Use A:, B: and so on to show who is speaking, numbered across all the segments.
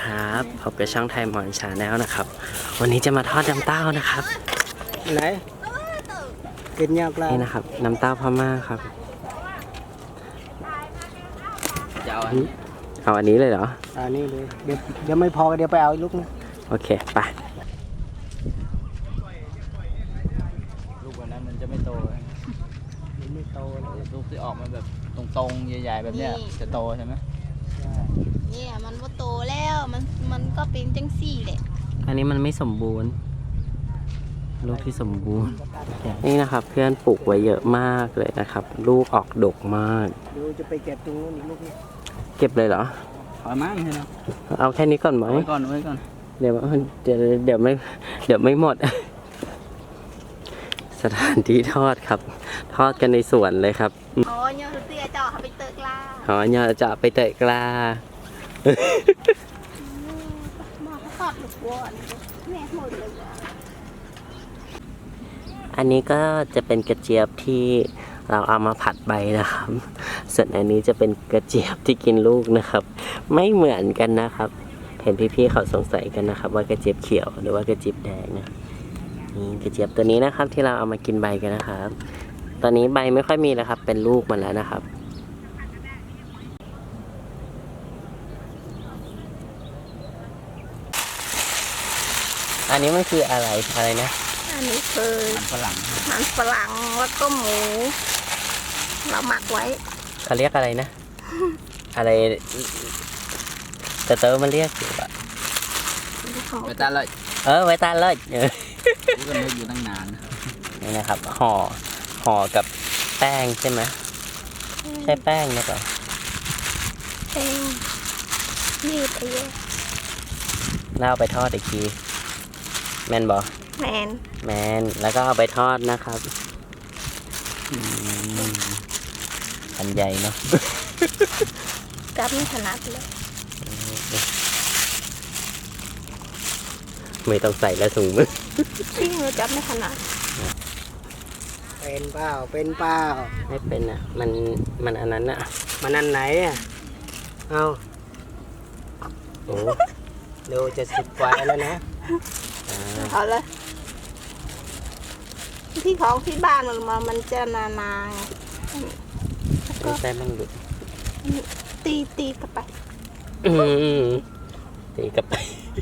A: ครับพบกับช่องไทยมอนชาแนลนะครับวันนี้จะมาทอดน้ำเต้านะครับ
B: ไหนกินยากแล้ว
A: นี่นะครับน้ำเต้าพม่าครับจะเอาอันนี้เลยเหรอ
B: นี่เลยเดี๋ยวไม่พอเดี๋ยวไปเอาอีกลูกนึง
A: โอเคไป
C: ลูกวันนั้นมันจะไม่โต
B: มันไม่โตเลย
C: ลูกที่ออกมาแบบตรงๆใหญ่ๆแบบเนี้ยจะโตใช่ไหม
D: เนี่ยมันว่าโตแล้วมันก็เป็นจังสี่แหละ
A: อันนี้มันไม่สมบูรณ์ลูกที่สมบูรณ์นี่นะครับเพื่อนปลูกไว้เยอะมากเลยนะครับลูกออกดกมาก
B: เดี๋ยวจะไปเก็บตรงนู้นอีกลูกนึง
A: เก็บเลยเหรอ
C: พอมั้งใช่ไหม
A: เอาแค่นี้ก่อนไหม
C: ไว้ก่อน
A: เดี๋ยวไม่หมดสถานที่ทอดครับทอดกันในสวนเลยครับ
D: อ๋อเนี่ยเตี้ยจ่อไปเตะกล้า
A: อ๋อเนี่ยจะไปเตะกล้า
D: มาทอดลูกวัวแม่หมดเลย
A: อันนี้ก็จะเป็นกระเจี๊ยบที่เราเอามาผัดใบนะครับส่วนอันนี้จะเป็นกระเจี๊ยบที่กินลูกนะครับไม่เหมือนกันนะครับเห็นพี่ๆเขาสงสัยกันนะครับว่ากระเจี๊ยบเขียวหรือว่ากระเจี๊ยบแดงนะนี่กระเจี๊ยบตัวนี้นะครับที่เราเอามากินใบกันนะครับตอนนี้ใบไม่ค่อยมีแล้วครับเป็นลูกมันแล้วนะครับอันนี้มันคืออะไรนะ
D: อันนี้คือ
C: มันฝรั่ง
D: แล้วก็หมูเราหมักไว้
A: เขาเรียกอะไรนะอะไรเต๋อมันเรียกอยู่อะ
C: ไว้ตาเลย
A: ไว้ตาเลย
C: กูก็นึกอยู่ตั้งนาน
A: นี่นะครับห่อกับแป้งใช่ไหมใช่แป้งนะป่ะ
D: แป้งนี่ไปเยอะ
A: แล้วเอาไปทอดอีกทีแมนบอก
D: แม
A: นแล้วก็เอาไปทอดนะครับอันใหญ่เนาะ
D: จับไม่ถนัดเลย
A: ไม่ต้องใส่แล้วถุงมือ
D: ที่มือจับไม่ถนัด
B: เป็นเปล่า
A: ไม่เป็นอ่ะมันอันนั้นอ่ะ
B: มันอันไหนอ่ะเอาโอ้เดี๋ยวจะ10 กว่าแล้วนะ
D: เอาเลยที่ของที่บ้านมันจะนา
A: ก็ใส่มันหลุด
D: ตีกลับไป
A: ตีกลับไป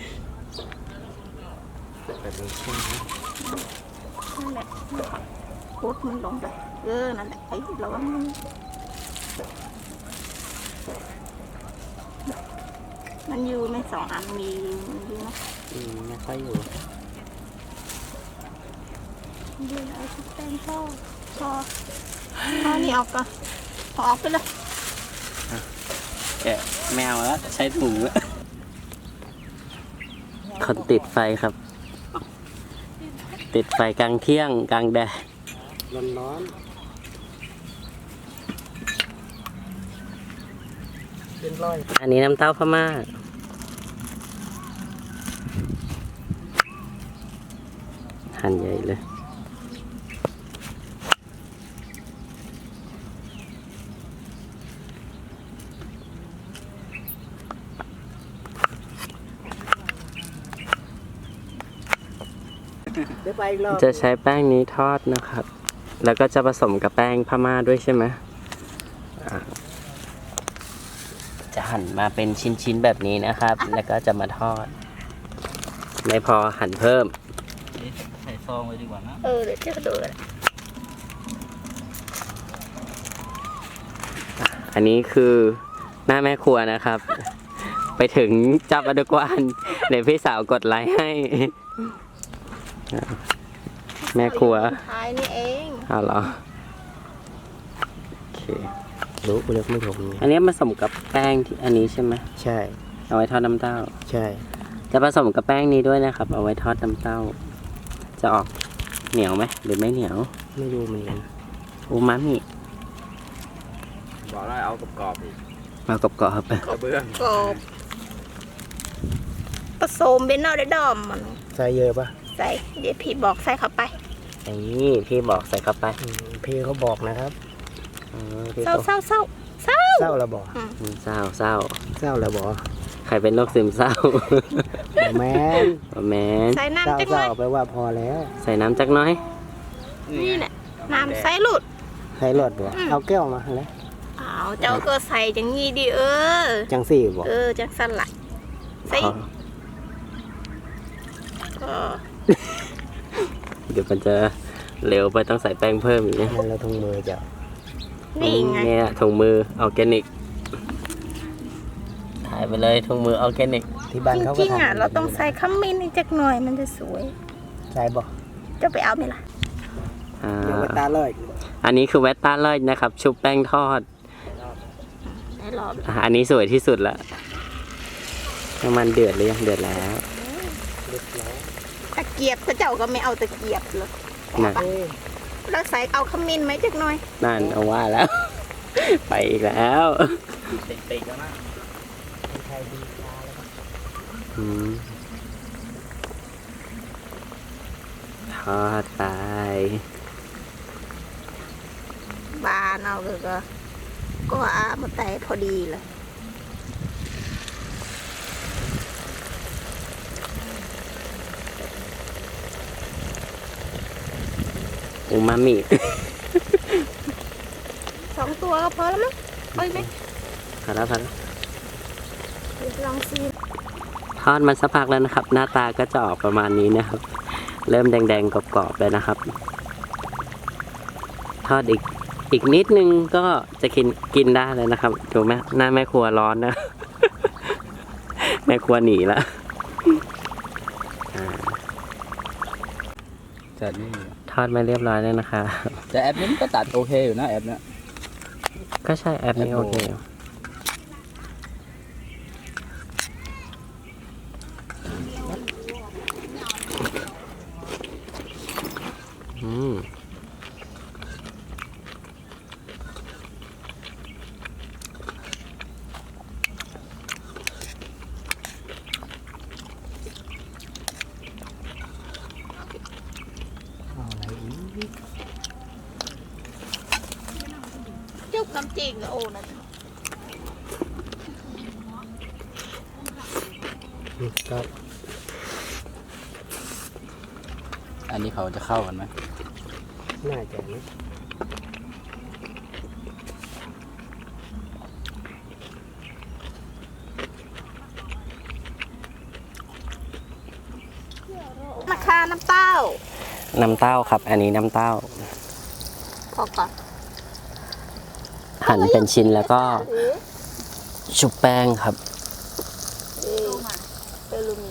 A: แบบนี้ใช่ไหม
D: นั่นแหละโคตรมันลงไปนั่นแหละไอ้เรามันอยู่ใน2 อันมีอยู่นะ
A: ไม่ค่อยอยู่
D: เดี๋ยวเอาแป้งพอนี่ออกก่อนพอออกไปเลย
A: แกะแมวแล้วใช้ถุงแล้วคนติดไฟครับติดไฟกลางเที่ยงกลางแดด
B: ร้อนเป็นร้อย
A: อันนี้น้ำเต้าพม่าหั่นใหญ่เลยจะใช้แป้งนี้ทอดนะครับแล้วก็จะผสมกับแป้งพม่าด้วยใช่ไหมจะหั่นมาเป็นชิ้นๆแบบนี้นะครับแล้วก็จะมาทอดไม่พอหั่นเพิ่ม
C: ใส่ซองไว้ดีกว่านะ
D: เดี๋ยวจะดูเลย
A: อันนี้คือหน้าแม่ครัวนะครับ ไปถึงจับอดุกวานเดี๋ยวพี่สาวกดไลค์ให้แม่ครัว
D: ท้ายนี่เอง
A: เหรอโอเครู้เลือกไม่ถูกอันนี้ผสมกับแป้งที่อันนี้ใช่ไหม
B: ใช่
A: เอาไว้ทอดน้ำเต้า
B: ใช่
A: จะผสมกับแป้งนี้ด้วยนะครับเอาไว้ทอดน้ำเต้าจะออกเหนียวไหมหรือไม่เหนียว
B: ไม่รู้เหมือนกัน
A: อูมามิ
C: บอกแล้วเอากรอบอีก
A: เอากรอบ
C: ไปเบื้อง
D: กรอบผสมเป็นเอาได้ดอมมัน
B: ใส่เยอะปะ
D: ใส่เดี๋ยวพี่บอกใส่เข้าไป
A: นี่พี่บอกใส่เข้าไป
B: พี่เขาบอกนะครับ
D: เศร้า
B: แล้วบอก
A: เศร้า
B: แล้วบอก
A: ใครเป็นโรคซึมเศร้า
B: แม่น
A: แมน
D: ใส่
B: เศร้า
D: น้ำจักห
B: เศ
D: น่
B: ร้า
D: อย
B: ไปว่าพอแล้ว
A: ใส่น้ำจักหน้อย
D: นี่แหละน้ำใส่หลุด
B: ใส่รถบ่เอาแก้วมาแล้ว
D: อ้าวเจ้าก็ใส่อย่างงี้ดิ
B: จังสี่บ่
D: จังสั่นละใส่ เออ
A: เดี๋ยวมันจะเร็วไปต้องใส่แป้งเพิ่มอีกนะ
B: นั่นเราทุ่งมือเจ้า
D: นี่ไง
A: เนี่ยถุงมือออร์แกนิกถ่ายไปเลยถุงมือออร์แกนิก
B: ที่บ้าน
D: จ
B: เขาก็
D: ริงๆ
B: ทำ
D: เราต้องใส่ขมิ้นอีกจักหน่อยมันจะสวย
B: ใส่บ่
D: จะไปเอาไหมล่ะ
B: เดี๋ยวไปตาเลย
A: อันนี้คือแวตต้าเลิศนะครับ ชุบแป้งทอด
D: ในรอบ
A: อันนี้สวยที่สุดละน้ำมันเดือดหรือยังเดือดแล้ว
D: ตะเกียบพระเจ้าก็ไม่เอาตะเกียบเลย
A: นั่น
D: เราใส่เอาขมิ้นไหมจักหน่อย
A: นั่นเอาว่าแล้ว ไปอีกแล้ว
C: ติดๆแล้วนะ
A: อืมทอดไป
D: บานเอาเลยก็อามาแต่พอดีเลย
A: อูมามิ
D: 2 ตัวก็พอแล้วมั้งเอาอีกไหม
A: พอแล้วพอแล้ว
D: เดี๋ยวลองซี
A: ทอดมันสักพักแล้วนะครับ หน้าตาก็จะออกประมาณนี้นะครับ เริ่มแดงๆกรอบๆแล้วนะครับ ทอดอีกนิดนึงก็จะกินได้แล้วนะครับดูไหมหน้าแม่ครัวร้อนนะ แม่ครัวหนีละอ่า
C: จัดนี่
A: ทอดมาเรียบร้อยแล้วนะคะ
C: แต่แอปนี้มันก็ตัดโอเคอยู่นะแอปเนี้ย
A: ก็ใช่แอปนี้โอเคอืม
B: เอาอะไรอีก
D: จุ๊บน้ำจิ้มโอ้นะ
B: ครับ
C: อันนี้เขาจะเข้ากันไหม
B: น่าจะนะ
D: มะขามน้ำเต้า
A: น้ำเต้าครับ อันนี้น้ำเต้า
D: พอก่อน
A: หั่นเป็นชิ้นแล้วก็ชุบแป้งครับ
D: เอลูมิ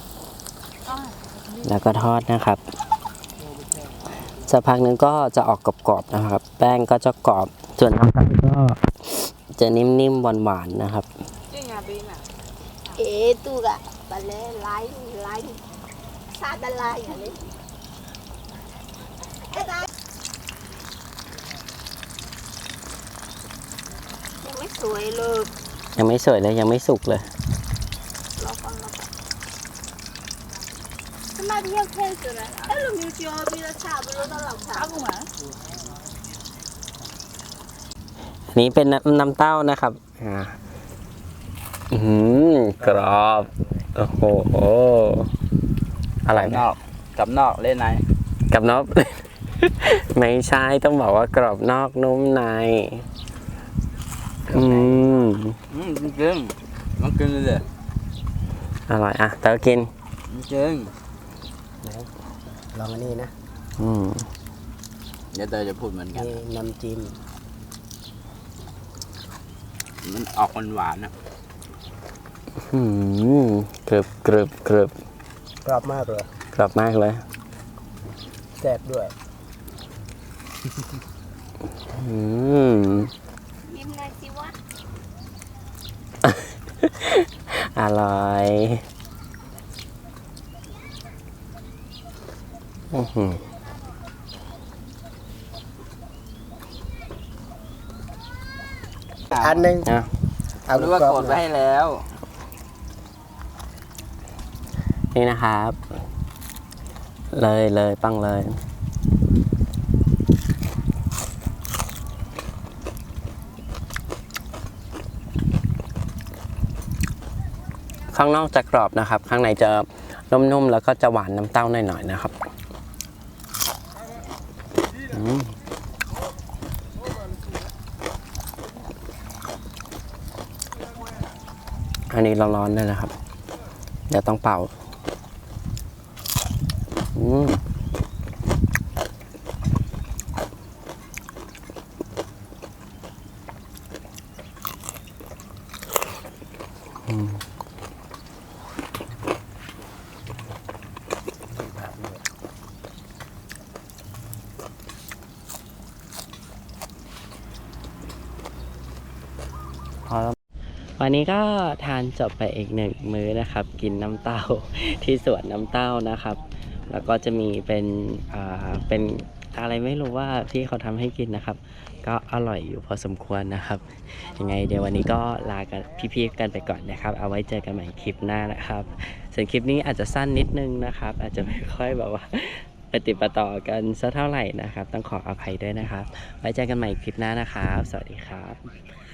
A: แล้วก็ทอดนะครับสักพักนึงก็จะออกกรอบๆนะครับ แป้งก็จะกรอบ ส่วนน้ำตาลก็จะนิ่มๆหวานๆนะครับ
D: tu gà bà lê lái xa đà la nhà đi ยังไม่สวยเลย
A: ยังไม่สวยเลยยังไม่สุกเลย
D: รอฟังทำไมพี่ยังเท่จุดนั้นเอ้ยเรามีจอพี่ละชาบุรุษตลอดชาบุมา
A: อันนี้เป็นน้ำเต้านะครับกรอบโอ้โหอร่อยไหม
C: นอกกับนอกเล่นใน
A: กับนอก ไม่ใช่ต้องบอกว่ากรอบนอกนุ่มใน
C: จริงๆต้องกินเลย
A: อร่อยอ่ะเต๋อกิน
C: จริง
B: ลองอันนี้นะ
C: เดี๋ยวเตยจะพูดเหมือนกัน
B: นี่น้ำจิ้ม
C: มันออกหวานๆนะ
A: กรึบกรึบกรึบ
B: กรอบมากเลย
A: กรอบมากเลย
B: แซ่บด้วย
D: ยิ้มหน่อยสิวะ
A: อร่อย
B: อันหนึ่ง
A: อ่ะ
B: เอา
C: รู้ว่ากดไว้ให้แล้ว
A: นี่นะครับ เลยปังเลยข้างนอกจะกรอบนะครับ ข้างในจะนุ่มๆแล้วก็จะหวานน้ำเต้าหน่อยๆนะครับอันนี้ร้อนๆเลยนะครับเดี๋ยวต้องเป่าวันนี้ก็ทานจบไปอีก1 มื้อนะครับ กินน้ำเต้าที่สวนน้ำเต้านะครับ แล้วก็จะมีเป็นอะไรไม่รู้ว่าที่เขาทำให้กินนะครับ ก็อร่อยอยู่พอสมควรนะครับยังไงเดี๋ยววันนี้ก็ลากันพี่ๆกันไปก่อนนะครับ เอาไว้เจอกันใหม่คลิปหน้านะครับส่วนคลิปนี้อาจจะสั้นนิดนึงนะครับ อาจจะไม่ค่อยแบบว่าปฏิปต่อกันสักเท่าไหร่นะครับต้องขออภัยด้วยนะครับไว้เจอกันใหม่คลิปหน้านะครับสวัสดีครับ